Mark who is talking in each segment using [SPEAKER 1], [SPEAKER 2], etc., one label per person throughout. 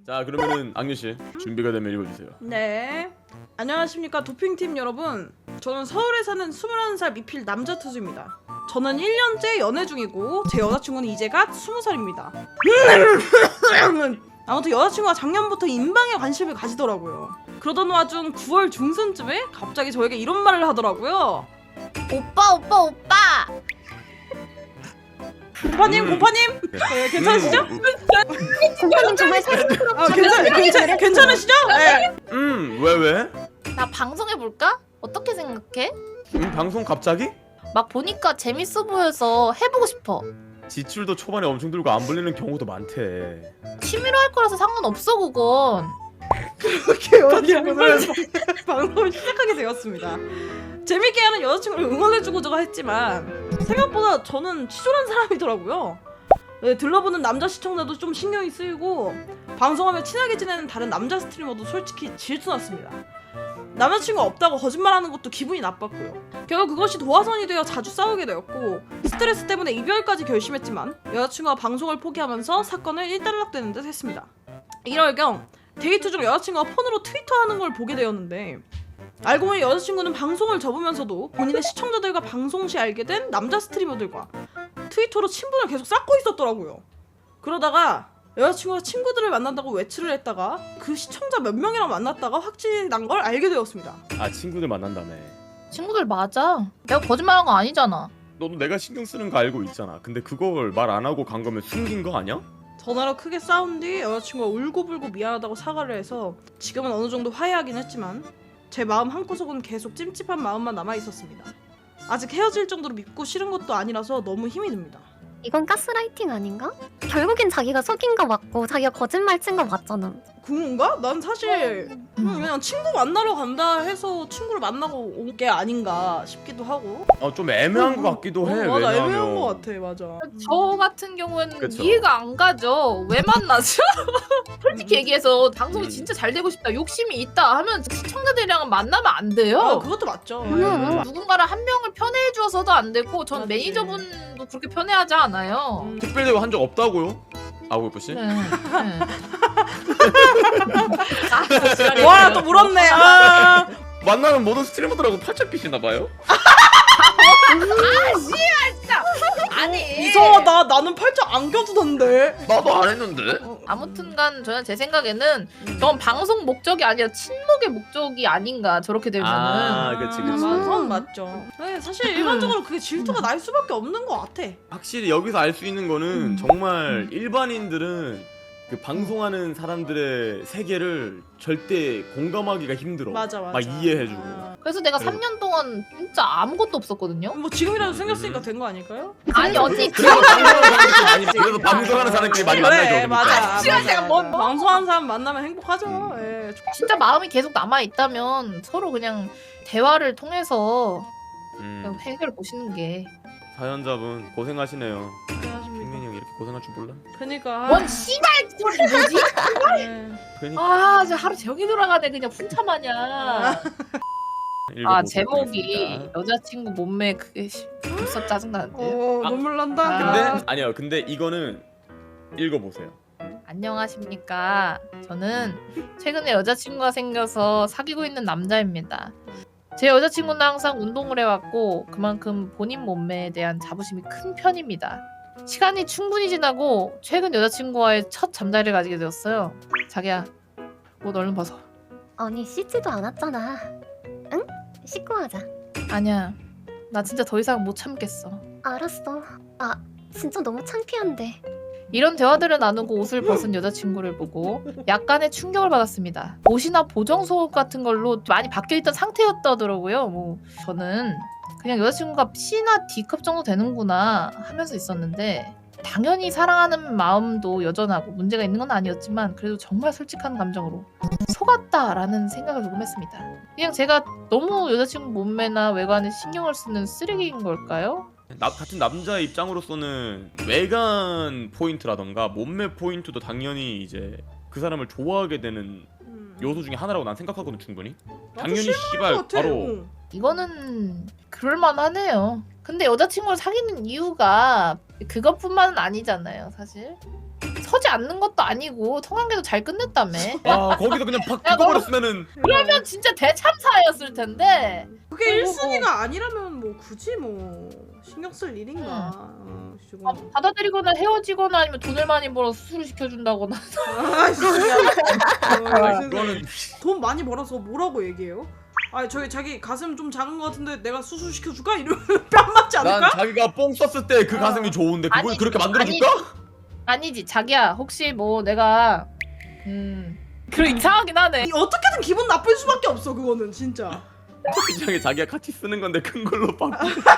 [SPEAKER 1] 자 그러면은 악녀씨 준비가 되면 읽어주세요.
[SPEAKER 2] 네. 안녕하십니까 도핑팀 여러분. 저는 서울에 사는 21살 미필 남자 투수입니다. 저는 1년째 연애 중이고 제 여자친구는 이제 갓 20살입니다. 아무튼 여자친구가 작년부터 인방에 관심을 가지더라고요. 그러던 와중 9월 중순쯤에 갑자기 저에게 이런 말을 하더라고요.
[SPEAKER 3] 오빠.
[SPEAKER 2] 고파님 네, 괜찮으시죠?
[SPEAKER 3] 고파님 정말
[SPEAKER 2] 괜찮으시죠? 네.
[SPEAKER 1] 왜?
[SPEAKER 3] 나 방송해볼까? 어떻게 생각해?
[SPEAKER 1] 방송 갑자기?
[SPEAKER 3] 막 보니까 재밌어 보여서 해보고 싶어.
[SPEAKER 1] 지출도 초반에 엄청 들고 안 불리는 경우도 많대.
[SPEAKER 3] 취미로 할 거라서 상관없어 그건.
[SPEAKER 2] 그렇게 여자친구는 방송을 시작하게 되었습니다. 재밌게 하는 여자친구를 응원해주고자 했지만 생각보다 저는 치졸한 사람이더라고요. 네, 들러보는 남자 시청자도 좀 신경이 쓰이고 방송하며 친하게 지내는 다른 남자 스트리머도 솔직히 질투났습니다. 남자친구 없다고 거짓말하는 것도 기분이 나빴고요. 결국 그것이 도화선이 되어 자주 싸우게 되었고 스트레스 때문에 이별까지 결심했지만 여자친구가 방송을 포기하면서 사건을 일단락되는 듯 했습니다. 이럴경 데이트 중 여자친구가 폰으로 트위터하는 걸 보게 되었는데 알고 보니 여자친구는 방송을 접으면서도 본인의 시청자들과 방송 시 알게 된 남자 스트리머들과 트위터로 친분을 계속 쌓고 있었더라고요. 그러다가 여자친구가 친구들을 만난다고 외출을 했다가 그 시청자 몇 명이랑 만났다가 확진이 난 걸 알게 되었습니다.
[SPEAKER 1] 아 친구들 만난다며.
[SPEAKER 3] 친구들 맞아. 내가 거짓말한 거 아니잖아.
[SPEAKER 1] 너도 내가 신경 쓰는 거 알고 있잖아. 근데 그걸 말 안 하고 간 거면 숨긴 거 아니야?
[SPEAKER 2] 전화로 크게 싸운 뒤 여자친구가 울고불고 미안하다고 사과를 해서 지금은 어느 정도 화해하긴 했지만 제 마음 한구석은 계속 찜찜한 마음만 남아있었습니다. 아직 헤어질 정도로 밉고 싫은 것도 아니라서 너무 힘이 듭니다.
[SPEAKER 4] 이건 가스라이팅 아닌가? 결국엔 자기가 속인 거 맞고 자기가 거짓말 친 거 맞잖아.
[SPEAKER 2] 그런가? 난 사실 그냥 친구 만나러 간다 해서 친구를 만나고 온 게 아닌가 싶기도 하고.
[SPEAKER 1] 좀 애매한 거 같기도 해.
[SPEAKER 2] 맞아,
[SPEAKER 1] 왜냐면
[SPEAKER 2] 애매한 거 같아. 맞아.
[SPEAKER 3] 저 같은 경우에는
[SPEAKER 1] 그쵸.
[SPEAKER 3] 이해가 안 가죠. 왜 만나죠? 솔직히 얘기해서 방송이 진짜 잘 되고 싶다, 욕심이 있다 하면 시청자들이랑은 만나면 안 돼요.
[SPEAKER 2] 그것도 맞죠.
[SPEAKER 3] 누군가를 한 명을 편애해 주어서도 안 되고 전
[SPEAKER 2] 맞지.
[SPEAKER 3] 매니저분도 그렇게 편애하지 않아요.
[SPEAKER 1] 특별대우 한 적 없다고요? 아구이뽀 씨?
[SPEAKER 3] 네.
[SPEAKER 2] 와, 또 물었네. 아.
[SPEAKER 1] 만나는 모든 스트리머들하고 팔짱 끼시나 봐요?
[SPEAKER 3] 아니
[SPEAKER 2] 이상하다. 나는 팔짱 안 껴주던데.
[SPEAKER 1] 나도 안 했는데.
[SPEAKER 3] 아무튼간 저는 제 생각에는 저건 방송 목적이 아니라 친목의 목적이 아닌가 저렇게 되면은.
[SPEAKER 1] 아, 그치.
[SPEAKER 2] 그건 맞죠. 네, 사실 일반적으로 그게 질투가 날 수밖에 없는 것 같아.
[SPEAKER 1] 확실히 여기서 알 수 있는 거는 정말 일반인들은 그 방송하는 사람들의 세계를 절대 공감하기가 힘들어.
[SPEAKER 2] 맞아.
[SPEAKER 1] 막 이해해주고.
[SPEAKER 3] 그래서 내가
[SPEAKER 1] 그래.
[SPEAKER 3] 3년 동안 진짜 아무것도 없었거든요.
[SPEAKER 2] 뭐 지금이라도 생겼으니까 된 거 아닐까요?
[SPEAKER 3] 아니 언니
[SPEAKER 1] 그래서 방송하는 사람들끼리 많이 그래서 방송하는 사람끼리 많이 만나죠.
[SPEAKER 2] 그래,
[SPEAKER 1] 그러니까.
[SPEAKER 2] 맞아.
[SPEAKER 3] 시간대가 뭔
[SPEAKER 2] 방송하는 사람 만나면 행복하죠. 예.
[SPEAKER 3] 진짜 마음이 계속 남아 있다면 서로 그냥 대화를 통해서 그냥 해결을 보시는 게.
[SPEAKER 1] 사연자분 고생하시네요.
[SPEAKER 2] 안녕하십니까.
[SPEAKER 1] 핑맨이 형 이렇게 고생할 줄 몰라?
[SPEAKER 2] 그러니까.
[SPEAKER 3] 뭔 씨발 소리 뭐지?
[SPEAKER 2] 네.
[SPEAKER 1] 그러니까
[SPEAKER 3] 아, 저 하루 종일 돌아가네 그냥 풍차 마냥. 아
[SPEAKER 1] 읽어보도록
[SPEAKER 3] 제목이
[SPEAKER 1] 하겠습니다.
[SPEAKER 3] 여자친구 몸매 그게 벌써 짜증나는데.
[SPEAKER 2] 눈물 난다.
[SPEAKER 3] 아.
[SPEAKER 1] 근데 아니요. 근데 이거는 읽어보세요.
[SPEAKER 3] 안녕하십니까. 저는 최근에 여자친구가 생겨서 사귀고 있는 남자입니다. 제 여자친구는 항상 운동을 해왔고 그만큼 본인 몸매에 대한 자부심이 큰 편입니다. 시간이 충분히 지나고 최근 여자친구와의 첫 잠자리를 가지게 되었어요. 자기야, 옷 얼른 벗어.
[SPEAKER 4] 아니 씻지도 않았잖아. 응? 씻고 하자.
[SPEAKER 3] 아니야, 나 진짜 더 이상 못 참겠어.
[SPEAKER 4] 알았어. 아 진짜 너무 창피한데.
[SPEAKER 3] 이런 대화들을 나누고 옷을 벗은 여자친구를 보고 약간의 충격을 받았습니다. 옷이나 보정 속옷 같은 걸로 많이 바뀌어있던 상태였다더라고요. 뭐 저는 그냥 여자친구가 C나 D컵 정도 되는구나 하면서 있었는데 당연히 사랑하는 마음도 여전하고 문제가 있는 건 아니었지만 그래도 정말 솔직한 감정으로 속았다라는 생각을 조금 했습니다. 그냥 제가 너무 여자친구 몸매나 외관에 신경을 쓰는 쓰레기인 걸까요?
[SPEAKER 1] 같은 남자 입장으로서는 외관 포인트라던가 몸매 포인트도 당연히 이제 그 사람을 좋아하게 되는 요소 중에 하나라고 난 생각하거든 충분히. 당연히 씨발 바로
[SPEAKER 3] 이거는 그럴만하네요. 근데 여자친구를 사귀는 이유가 그것뿐만은 아니잖아요, 사실. 서지 않는 것도 아니고 성관계도 잘 끝냈다며.
[SPEAKER 1] 아 거기서 그냥 팍
[SPEAKER 3] 야,
[SPEAKER 1] 죽어버렸으면은
[SPEAKER 3] 그러면 진짜 대참사였을 텐데.
[SPEAKER 2] 그게
[SPEAKER 3] 뭐,
[SPEAKER 2] 1순위가 아니라면 뭐 굳이 뭐 신경 쓸 일인가.
[SPEAKER 3] 아, 받아들이거나 헤어지거나 아니면 돈을 많이 벌어서 수술을 시켜준다거나.
[SPEAKER 1] 아, 그거는
[SPEAKER 2] 돈 많이 벌어서 뭐라고 얘기해요? 아 저기 자기 가슴 좀 작은 것 같은데 내가 수술 시켜줄까? 이러면 뺨 맞지 않을까?
[SPEAKER 1] 난 자기가 뽕 썼을 때 그 가슴이 좋은데 그걸
[SPEAKER 3] 아니,
[SPEAKER 1] 그렇게 만들어줄까?
[SPEAKER 3] 아니지 자기야 혹시 뭐 내가 그래 이상하긴 하네.
[SPEAKER 2] 어떻게든 기분 나쁠 수밖에 없어 그거는 진짜.
[SPEAKER 1] 그냥 자기가 같이 쓰는 건데 큰 걸로 바꾸.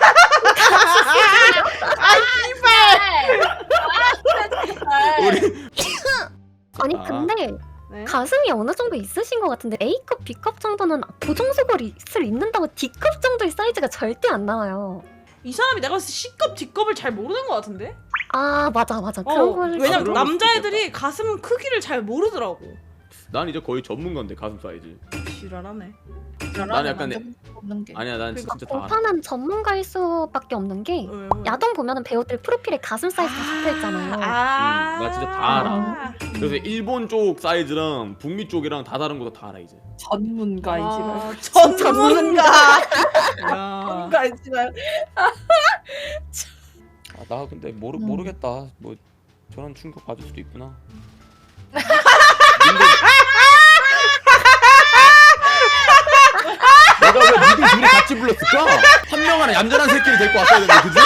[SPEAKER 1] 우리
[SPEAKER 4] 아니
[SPEAKER 1] 아.
[SPEAKER 4] 근데
[SPEAKER 2] 네?
[SPEAKER 4] 가슴이 어느 정도 있으신 것 같은데 A컵, B컵 정도는 보정속옷을 입는다고 D컵 정도의 사이즈가 절대 안 나와요.
[SPEAKER 2] 이 사람이 내가 봤을 때 C컵, D컵을 잘 모르는 것 같은데?
[SPEAKER 4] 아 맞아 그런 걸
[SPEAKER 2] 왜냐면
[SPEAKER 1] 그럴
[SPEAKER 2] 남자애들이 가슴 크기를 잘 모르더라고.
[SPEAKER 1] 난 이제 거의 전문가인데 가슴 사이즈.
[SPEAKER 2] 지랄하네.
[SPEAKER 1] 난 약간
[SPEAKER 3] 없는 게.
[SPEAKER 1] 아니야 난 진짜 다 알아.
[SPEAKER 4] 오빠는 전문가일 수밖에 없는 게 야동 보면은 배우들 프로필에 가슴 사이즈가 적혀있잖아요.
[SPEAKER 1] 나 진짜 다
[SPEAKER 2] 알아.
[SPEAKER 1] 그래서 일본 쪽 사이즈랑 북미 쪽이랑 다 다른 거 다 알아 이제.
[SPEAKER 3] 전문가이지만.
[SPEAKER 2] 전문가. 야.
[SPEAKER 3] 전문가이지만.
[SPEAKER 1] 아, 나 근데 모르겠다. 뭐 저런 충격 받을 수도 있구나. 내가 왜 니들 둘이 같이 불렀을까? 한 명은 얌전한 새끼를 데리고 왔어야 되는데 그지?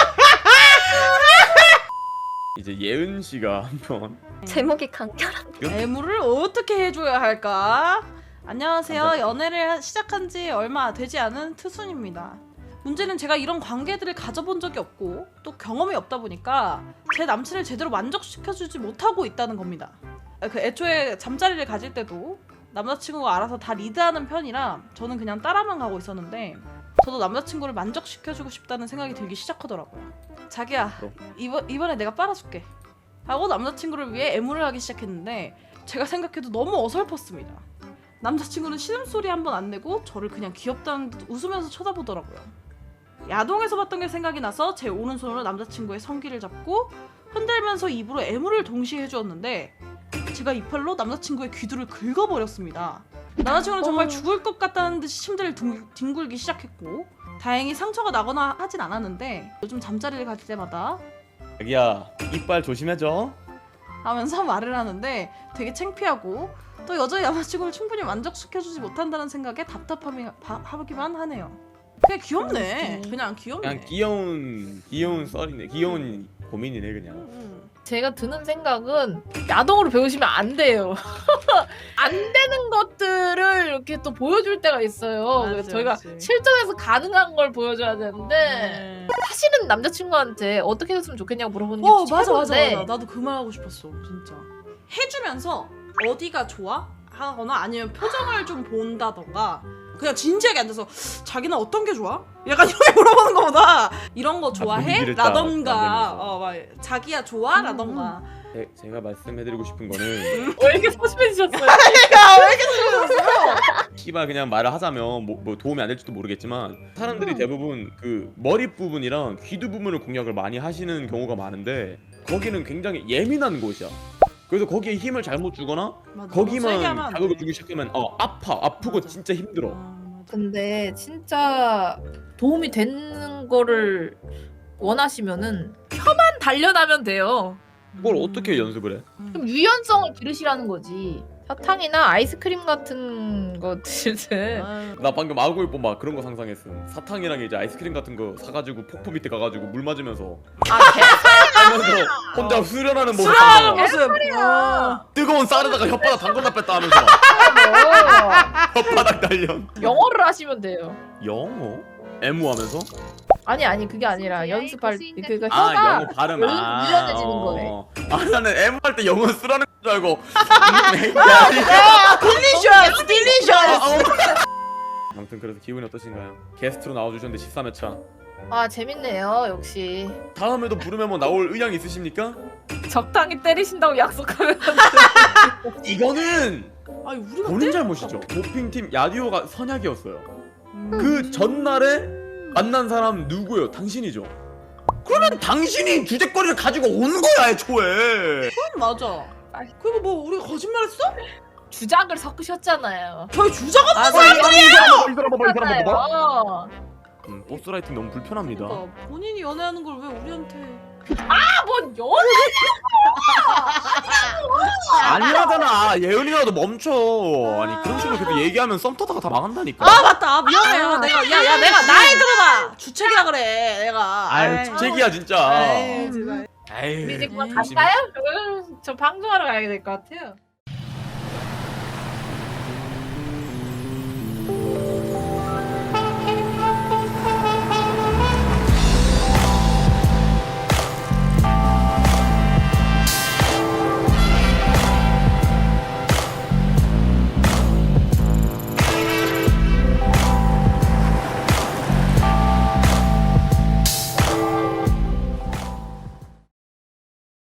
[SPEAKER 1] 이제 예은 씨가 한번
[SPEAKER 4] 제목이 간결한.
[SPEAKER 2] 애무를 어떻게 해줘야 할까? 안녕하세요. 연애를 시작한 지 얼마 되지 않은 트순입니다. 문제는 제가 이런 관계들을 가져본 적이 없고 또 경험이 없다 보니까 제 남친을 제대로 만족시켜주지 못하고 있다는 겁니다. 그 애초에 잠자리를 가질 때도 남자친구가 알아서 다 리드하는 편이라 저는 그냥 따라만 가고 있었는데 저도 남자친구를 만족시켜주고 싶다는 생각이 들기 시작하더라고요. 자기야 이번에 내가 빨아줄게 하고 남자친구를 위해 애무를 하기 시작했는데 제가 생각해도 너무 어설펐습니다. 남자친구는 신음소리 한 번 안 내고 저를 그냥 귀엽다는 듯 웃으면서 쳐다보더라고요. 야동에서 봤던 게 생각이 나서 제 오른손으로 남자친구의 성기를 잡고 흔들면서 입으로 애무를 동시에 해주었는데 제가 이빨로 남자친구의 귀두를 긁어버렸습니다. 남자친구는 정말 죽을 것 같다는 듯이 침대를 뒹굴기 시작했고 다행히 상처가 나거나 하진 않았는데 요즘 잠자리를 갈 때마다
[SPEAKER 1] 자기야 이빨 조심해줘.
[SPEAKER 2] 하면서 말을 하는데 되게 창피하고 또 여자의 남자친구를 충분히 만족시켜주지 못한다는 생각에 답답하기만 하네요. 그냥 귀엽네. 그냥 귀엽네.
[SPEAKER 1] 그냥 귀여운 썰이네. 귀여운 고민이네 그냥.
[SPEAKER 3] 제가 드는 생각은 야동으로 배우시면 안 돼요. 안 되는 것들을 이렇게 또 보여줄 때가 있어요. 그래서 저희가 실전에서 가능한 걸 보여줘야 되는데 사실은 남자친구한테 어떻게 했으면 좋겠냐고 물어보는 게
[SPEAKER 2] 맞아.
[SPEAKER 3] 최고인데
[SPEAKER 2] 나도 그 말 하고 싶었어 진짜. 해주면서 어디가 좋아? 하거나 아니면 표정을 좀 본다던가 그냥 진지하게 앉아서 자기는 어떤 게 좋아? 약간 이렇게 물어보는 거보다 이런 거 좋아해?
[SPEAKER 1] 분위기를 딱
[SPEAKER 2] 라던가
[SPEAKER 1] 만들면서.
[SPEAKER 2] 막 자기야 좋아? 라던가
[SPEAKER 1] 제가 말씀해드리고 싶은 거는
[SPEAKER 3] 왜 이렇게 소심해지셨어요?
[SPEAKER 2] 야왜 이렇게 들었어요?
[SPEAKER 1] 씨발 그냥 말을 하자면 뭐 도움이 안 될지도 모르겠지만 사람들이 대부분 그 머리 부분이랑 귀두 부분을 공략을 많이 하시는 경우가 많은데 거기는 굉장히 예민한 곳이야. 그래서 거기에 힘을 잘못 주거나 거기만 자극을 주기 시작하면 아프고 진짜 힘들어.
[SPEAKER 3] 근데 진짜 도움이 되는 거를 원하시면은 혀만 단련하면 돼요.
[SPEAKER 1] 그걸 어떻게 연습을 해?
[SPEAKER 3] 좀 유연성을 기르시라는 거지. 사탕이나 아이스크림 같은 거 드실 때
[SPEAKER 1] 나 방금 아구이뽀 막 그런 거 상상했어. 사탕이랑 이제 아이스크림 같은 거 사가지고 폭포 밑에 가가지고 물 맞으면서 하면서 혼자 수련하는 모습.
[SPEAKER 2] 수련하는 모습.
[SPEAKER 1] 뜨거운 쌀에다가 혓바닥 담궜다 뺐다 하면서 혓바닥 단련.
[SPEAKER 3] 영어를 하시면 돼요.
[SPEAKER 1] 영어? 애무하면서?
[SPEAKER 3] 아니 그게 아니라 연습할 그러니까 혀가
[SPEAKER 1] 영어 발음
[SPEAKER 3] 유연해지는 거네.
[SPEAKER 1] 나는 애무할 때 영어 쓰라는 줄 알고.
[SPEAKER 2] 딜리셔스.
[SPEAKER 1] 아무튼 그래서 기분이 어떠신가요? 게스트로 나와주셨는데 13회차.
[SPEAKER 3] 아 재밌네요 역시.
[SPEAKER 1] 다음에도 부르면 뭐 나올 의향 있으십니까?
[SPEAKER 3] 적당히 때리신다고 약속하면
[SPEAKER 1] 이거는
[SPEAKER 2] 아니 우리가
[SPEAKER 1] 본인 잘못이죠. 도핑팀 야디오가 선약이었어요. 그 전날에 만난 사람 누구예요? 당신이죠. 그러면 당신이 주제거리를 가지고 오는 거야 애초에.
[SPEAKER 2] 맞아. 그리고 뭐 우리 거짓말했어?
[SPEAKER 3] 주작을 섞으셨잖아요.
[SPEAKER 2] 저희 주작 없는
[SPEAKER 1] 이 사람 봐봐.
[SPEAKER 3] 어.
[SPEAKER 1] 보스라이팅 너무 불편합니다.
[SPEAKER 2] 그러니까 본인이 연애하는 걸 왜 우리한테?
[SPEAKER 3] 뭔 연애?
[SPEAKER 1] 아니라잖아. 예은이라도 멈춰. 아니 그런 식으로 계속 얘기하면 썸 타다가 다 망한다니까.
[SPEAKER 2] 아 맞다. 아, 미안해요. 내가 나이 들어봐. 주책이라 그래. 내가.
[SPEAKER 1] 아유 주책이야 진짜.
[SPEAKER 2] 아이, 정말.
[SPEAKER 1] 에이.
[SPEAKER 3] 우리 이제 그만
[SPEAKER 1] 열심히.
[SPEAKER 3] 갈까요? 저 방송하러 가야 될 것 같아요.